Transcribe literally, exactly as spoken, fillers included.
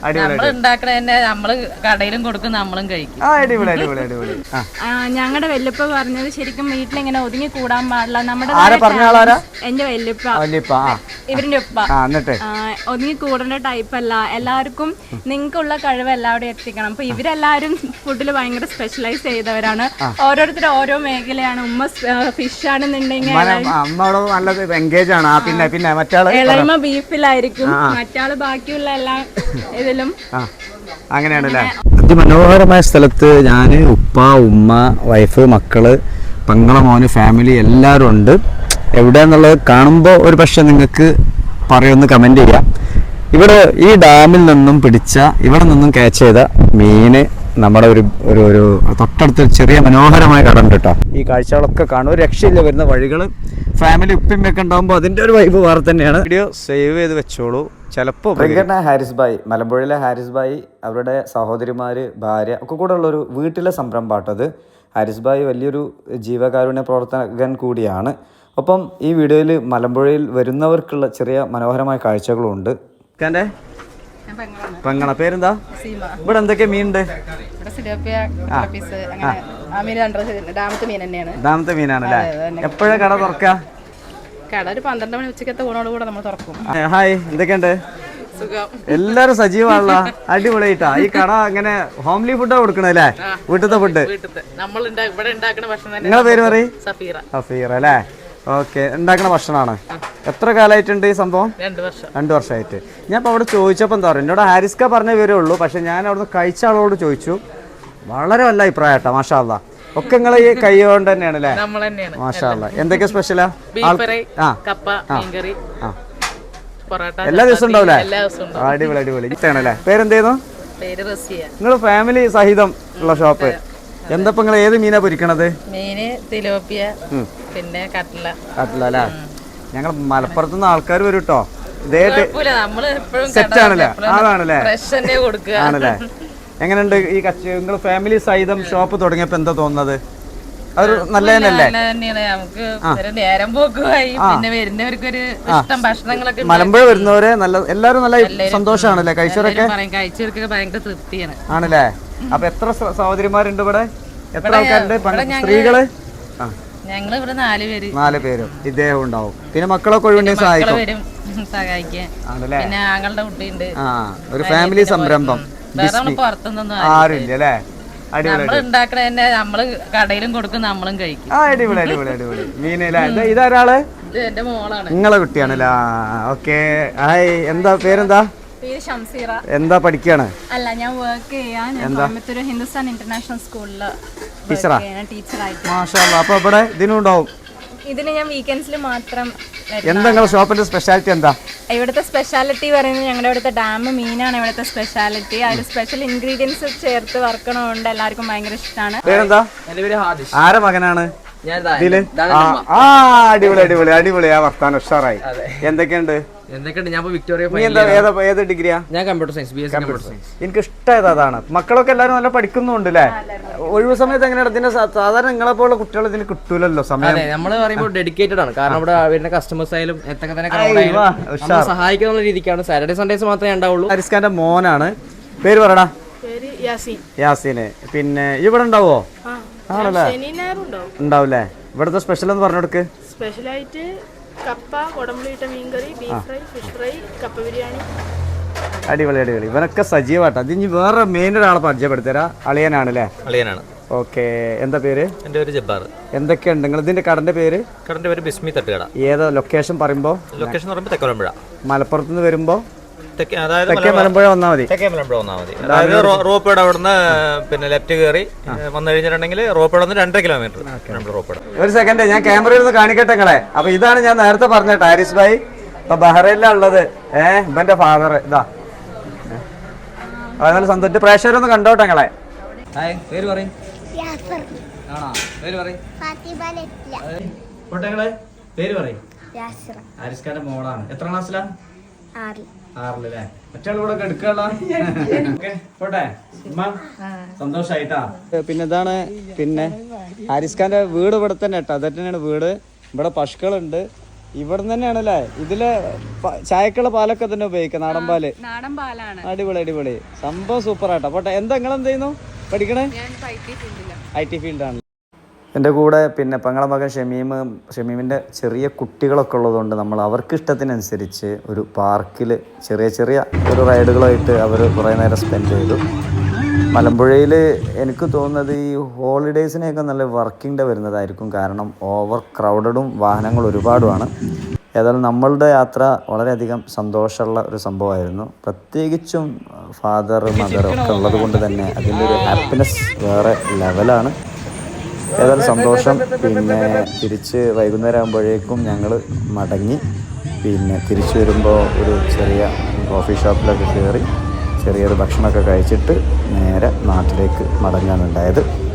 നമ്മള് കടയിലും കൊടുക്കും നമ്മളും കഴിക്കും. ഞങ്ങളുടെ വല്യപ്പ പറഞ്ഞത് ശരിക്കും വീട്ടിലിങ്ങനെ ഒതുങ്ങി കൂടാൻ പാടില്ല. നമ്മുടെ എന്റെ വല്യപ്പ ഇവരിന്റെ ഉപ്പ ഒതുങ്ങി കൂടേണ്ട ടൈപ്പ് അല്ല, എല്ലാവർക്കും നിങ്ങൾക്കുള്ള കഴിവ് എല്ലാവരും എത്തിക്കണം. അപ്പൊ ഇവരെല്ലാരും ഫുഡിൽ ഭയങ്കര സ്പെഷ്യലൈസ് ചെയ്തവരാണ്. ഓരോരുത്തരും ഓരോ മേഖലയാണ്. ഉമ്മ ഫിഷ് ആണെന്നുണ്ടെങ്കിൽ ഇളമ ബീഫിലായിരിക്കും, മറ്റാള് ബാക്കിയുള്ള എല്ലാ ഇതിലും. അങ്ങനെയാണല്ലേ. അതിമനോഹരമായ സ്ഥലത്ത് ഞാൻ ഉപ്പ ഉമ്മ വൈഫ് മക്കള് പെങ്ങളെ മോന് ഫാമിലി എല്ലാവരും ഉണ്ട്. എവിടെയാന്നുള്ളത് കാണുമ്പോൾ ഒരു പക്ഷെ നിങ്ങൾക്ക് പറയുമെന്ന് കമന്റ് ചെയ്യാം. ഇവിടെ ഈ ഡാമിൽ നിന്നും പിടിച്ച ഇവിടെ നിന്നും ക്യാച്ച് ചെയ്ത മീന് നമ്മുടെ ഒരു ഒരു ഒരു തൊട്ടടുത്ത് ചെറിയ മനോഹരമായ കട ഉണ്ട് കേട്ടോ. ഈ കാഴ്ചകളൊക്കെ കാണും. ഒരു രക്ഷയില്ല. വരുന്ന വഴികൾ ഫാമിലി ഉപ്പിമ്മയൊക്കെ ഉണ്ടാകുമ്പോൾ അതിൻ്റെ ഒരു വൈബ് വേറെ തന്നെയാണ്. വീഡിയോ സേവ് ചെയ്ത് വെച്ചോളൂ. ചിലപ്പോൾ ഹാരിസ് ഭായ്, മലമ്പുഴയിലെ ഹാരിസ് ഭായ്, അവരുടെ സഹോദരിമാർ, ഭാര്യ ഒക്കെ കൂടെ ഉള്ളൊരു വീട്ടിലെ സംരംഭമാട്ടത്. ഹാരിസ് ഭായ് വലിയൊരു ജീവകാരുണ്യ പ്രവർത്തകൻ കൂടിയാണ്. ഒപ്പം ഈ വീഡിയോയിൽ മലമ്പുഴയിൽ വരുന്നവർക്കുള്ള ചെറിയ മനോഹരമായ കാഴ്ചകളുണ്ട്. എൻ്റെ പെങ്ങള പേരെന്താ? ഇവിടെ എന്തൊക്കെ മീനുണ്ട്? ഡാമത്തെ മീനാണല്ലേ. എപ്പോഴാ കട തുറക്കുക? കട ഒരു പന്ത്രണ്ട് മണി ഉച്ചക്കത്തെ ഊണോട് കൂടെ നമ്മൾ തുറക്കും. ഹായ്, എന്തൊക്കെയുണ്ട്? എല്ലാരും സജീവമാണല്ലോ. അടിപൊളിയായിട്ടാ. ഈ കട അങ്ങനെ ഹോംലി ഫുഡാ കൊടുക്കണല്ലേ? വീട്ടിലത്തെ ഫുഡ്. നിങ്ങളെ പേര് പറയും? സഫീറ അല്ലേ? ഓക്കെ. ഉണ്ടാക്കുന്ന ഭക്ഷണമാണ്. എത്ര കാലമായിട്ടുണ്ട് ഈ സംഭവം? രണ്ടു വർഷമായിട്ട്. ഞാൻ ഇപ്പോൾ അവിടെ ചോദിച്ചപ്പോൾ എന്താ പറയുക, എന്നോട് ഹാരിസ്ക പറഞ്ഞേ വരുള്ളൂ. പക്ഷെ ഞാൻ അവിടുന്ന് കഴിച്ച ആളോട് ചോദിച്ചു. വളരെ നല്ല അഭിപ്രായം കേട്ടോ. മാഷാ അല്ലാ. ഒക്കെ നിങ്ങൾ ഈ കൈ കൊണ്ട് തന്നെയാണ് അല്ലേ? മാഷാ അല്ലാ. എന്തൊക്കെ സ്പെഷ്യലാ? എല്ലാ ദിവസവും ഉണ്ടാവില്ലേ? അടിപൊളി അടിപൊളി. ഇഷ്ടമാണല്ലേ. പേരെന്തായിരുന്നു? നിങ്ങൾ ഫാമിലി സഹിതം ഉള്ള ഷോപ്പ്. എന്താ നിങ്ങൾ ഏത് മീനാ പൊരിക്കണത്? മീന് തിലോപ്പിയ, പിന്നെ കട്ട്ല. കട്ട്ല അല്ലേ? ഞങ്ങൾ മലപ്പുറത്ത് നിന്ന് ആൾക്കാർ വരും കേട്ടോ. ഇതേറ്റ് സെറ്റ് ആണല്ലേ? അതാണല്ലേ? ആണല്ലേ? എങ്ങനെയുണ്ട് ഈ കച്ച? നിങ്ങൾ ഫാമിലി സഹിതം ഷോപ്പ് തുടങ്ങിയപ്പോ എന്താ തോന്നുന്നത്? അതൊരു നല്ല തന്നെയല്ലേ? മലമ്പുഴ വരുന്നവരെ നല്ല എല്ലാരും നല്ല സന്തോഷമാണല്ലേ? കഴിച്ചവരൊക്കെ ആണല്ലേ? അപ്പൊ എത്ര സഹോദരിമാരുണ്ട് ഇവിടെ? എത്ര ആൾക്കാരുണ്ട്? സ്ത്രീകള് ഞങ്ങൾ ഇവിടെ നാല് പേര്. നാല് പേരും ഇദ്ദേഹം ഉണ്ടാവും. പിന്നെ മക്കളൊക്കെ ഒഴിവുണ്ടെങ്കിൽ സഹായിക്കും. പിന്നെ ആങ്ങളുടെ കുട്ടിയുണ്ട്. ആ, ഒരു ഫാമിലി സംരംഭം. ആരുമില്ല അല്ലേ? ഉണ്ടാക്കണ നമ്മള് കടയിലും കൊടുക്കും നമ്മളും കഴിക്കും. ആ, അടിപൊളി അടിപൊളി അടിപൊളി. മീനല്ലേ? ഇതാരാള്? എന്റെ മോളാണ്. നിങ്ങളെ കുട്ടിയാണല്ലേ? ഓക്കെ. ഹായ്, എന്താ പേരെന്താ? എന്താ പഠിക്കാണ്? അല്ല, ഞാൻ വർക്ക് ചെയ്യാൻ കോയമ്പത്തൂർ ഹിന്ദുസ്ഥാൻ ഇന്റർനാഷണൽ സ്കൂളില് ടീച്ചറായിട്ട്. മാഷാ അല്ലാ. അപ്പൊ ഇവിടെ ഇതിനും ഉണ്ടാവും? ഇതിന് ഞാൻ വീക്കെൻഡ്സിൽ മാത്രം. എന്താ നിങ്ങളുടെ ഷോപ്പിന്റെ സ്പെഷ്യാലിറ്റി എന്താ? ഇവിടുത്തെ സ്പെഷ്യാലിറ്റി പറയുന്നത് ഞങ്ങളുടെ ഇവിടുത്തെ ഡാം മീനാണ് ഇവിടുത്തെ സ്പെഷ്യാലിറ്റി. അതിൽ സ്പെഷ്യൽ ഇൻഗ്രീഡിയൻസ് ചേർത്ത് വറക്കണോണ്ട് എല്ലാവർക്കും ഭയങ്കര ഇഷ്ടമാണ്. പേരെന്താ? ആരെ മകനാണ്? അടിപൊളി അടിപൊളി അടിപൊളി. ആ വർത്താനം ഉഷാറായി. എന്തൊക്കെയുണ്ട്? ഏത് ഡിഗ്രിയാ? ഞാൻ computer science, B S C computer science. എനിക്ക് ഇഷ്ടമായത് അതാണ്. മക്കളൊക്കെ എല്ലാവരും നല്ല പഠിക്കുന്നുണ്ട് അല്ലേ? ഒഴിവ് സമയത്ത് എങ്ങനെയാണ് ഇതിന്റെ? സാധാരണ നിങ്ങളെ പോലുള്ള കുട്ടികൾ ഇതിന് കിട്ടൂലല്ലോ സമയം. നമ്മള് പറയുമ്പോൾ ഡെഡിക്കേറ്റഡ് ആണ്. കാരണം ഇവിടെ വരുന്ന കസ്റ്റമേഴ്സ് ആയാലും എത്തൊക്കെ തന്നെ സഹായിക്കുന്ന രീതിക്കാണ്. സാറ്റർഡേ സൺഡേസ് മാത്രമേ ഉണ്ടാവുള്ളൂ. ഹാരിസ്ഖാന്റെ മോനാണ്. പേര് പറയടാ. യാസീന്. പിന്നെ ഇവിടെ ഉണ്ടാവോ? ആണല്ലേ? ഉണ്ടാവൂലേ? ഇവിടുത്തെ സ്പെഷ്യൽ എന്ന് പറഞ്ഞു കൊടുക്ക്. സ്പെഷ്യലായിട്ട് കപ്പ, കൊടമ്പുളിയിട്ട മീൻകറി, ബീഫ് ഫ്രൈ, ഫിഷ് ഫ്രൈ, കപ്പ ബിരിയാണി. അടിപൊളി അടിപൊളി. ഇവനൊക്കെ സജീവമായിട്ട്. അത് ഇനി വേറെ മെയിൻ ഒരാളെ പരിചയപ്പെടുത്തരാ. അളിയനാണല്ലേ? അളിയനാണ്. ഓക്കെ. എന്താ പേര്? എൻ്റെ പേര് ജബ്ബാർ. എന്തൊക്കെയുണ്ട് നിങ്ങൾ ഇതിന്റെ കടന്റെ പേര്? കടന്റെ പേര് ബിസ്മി തട്ടുകട. ഏതാ ലൊക്കേഷൻ പറയുമ്പോ? ലൊക്കേഷൻ പറയുമ്പോൾ തെക്കേ മലമ്പുഴ. മലപ്പുറത്ത് നിന്ന് വരുമ്പോ അതായത് തെക്കേ മലമ്പുഴ വന്നാൽ മതി. തെക്കേ മലമ്പുഴ വന്നാൽ മതി. അതായത് റോപ്പേട് അവിടുന്ന് പിന്നെ ലെഫ്റ്റ് കയറി വന്നു കഴിഞ്ഞിട്ടുണ്ടെങ്കിൽ റോപ്പേട് വന്ന് രണ്ടര കിലോമീറ്റർ നമ്മുടെ റോപ്പേട്. ഒരു സെക്കൻഡ്, ഞാൻ ക്യാമറയിൽ നിന്ന് കാണിക്കട്ടെ നിങ്ങളെ. അപ്പൊ ഇതാണ് ഞാൻ നേരത്തെ പറഞ്ഞ ഹാരിസ് ഭായ്. ഇപ്പൊ ബഹ്റൈനിലാണ് ഉള്ളത്. ഏഹ് ഇവന്റെ ഫാദർ ഇതാ. നല്ല സന്തോഷം. പ്രേക്ഷകരൊന്ന് കണ്ടോട്ടെ നിങ്ങളെ. പേര് പറയും. പേര് പറയും. പേര് പറയും. ഹാരിസ് ഖാന്റെ മോളാണ്. എത്ര ക്ലാസ്സിലാ? ആറിലല്ലേ? മറ്റേ കൂടെ എടുക്കാനുള്ള പോട്ടെ. സന്തോഷായിട്ടാ. പിന്നെ ഇതാണ് പിന്നെ ഹാരിസ് ഖാന്റെ വീട് ഇവിടെ തന്നെ കേട്ടോ. അത് തന്നെയാണ് വീട്. ഇവിടെ പശുക്കളുണ്ട്. ഇവിടെ തന്നെയാണല്ലേ ഇതില് പ- ചായക്കുള്ള പാലൊക്കെ തന്നെ ഉപയോഗിക്കാം, നാടൻ പാല്. നാടൻ പാലാണ്. അടിപൊളി അടിപൊളി സംഭവം സൂപ്പർ ആട്ടോ. പോട്ടെ, എന്താ നിങ്ങൾ എന്ത് ചെയ്യുന്നു? പഠിക്കണേ? ഐ ടി ഫീൽഡാണ്. എൻ്റെ കൂടെ പിന്നെ പെങ്ങളെ മകൻ ഷമീം, ഷമീമിൻ്റെ ചെറിയ കുട്ടികളൊക്കെ ഉള്ളതുകൊണ്ട് നമ്മൾ അവർക്ക് ഇഷ്ടത്തിനനുസരിച്ച് ഒരു പാർക്കിൽ ചെറിയ ചെറിയ ഒരു റൈഡുകളായിട്ട് അവർ കുറേ നേരം സ്പെൻഡ് ചെയ്തു. മലമ്പുഴയിൽ എനിക്ക് തോന്നുന്നത് ഈ ഹോളിഡേയ്സിനെയൊക്കെ നല്ല വർക്കിംഗ് ഡേ വരുന്നതായിരിക്കും, കാരണം ഓവർ ക്രൗഡഡും വാഹനങ്ങൾ ഒരുപാടുമാണ്. ഏതായാലും നമ്മളുടെ യാത്ര വളരെയധികം സന്തോഷമുള്ള ഒരു സംഭവമായിരുന്നു. പ്രത്യേകിച്ചും ഫാദർ മദർ ഒക്കെ ഉള്ളത് കൊണ്ട് തന്നെ അതിൻ്റെ ഒരു ഹാപ്പിനെസ് വേറെ ലെവലാണ്. ഏതായാലും സന്തോഷം. പിന്നെ തിരിച്ച് വൈകുന്നേരം ആകുമ്പോഴേക്കും ഞങ്ങൾ മടങ്ങി. പിന്നെ തിരിച്ചു വരുമ്പോൾ ഒരു ചെറിയ കോഫി ഷോപ്പിലൊക്കെ കയറി ചെറിയൊരു ഭക്ഷണമൊക്കെ കഴിച്ചിട്ട് നേരെ നാട്ടിലേക്ക് മടങ്ങാനുണ്ടായത്.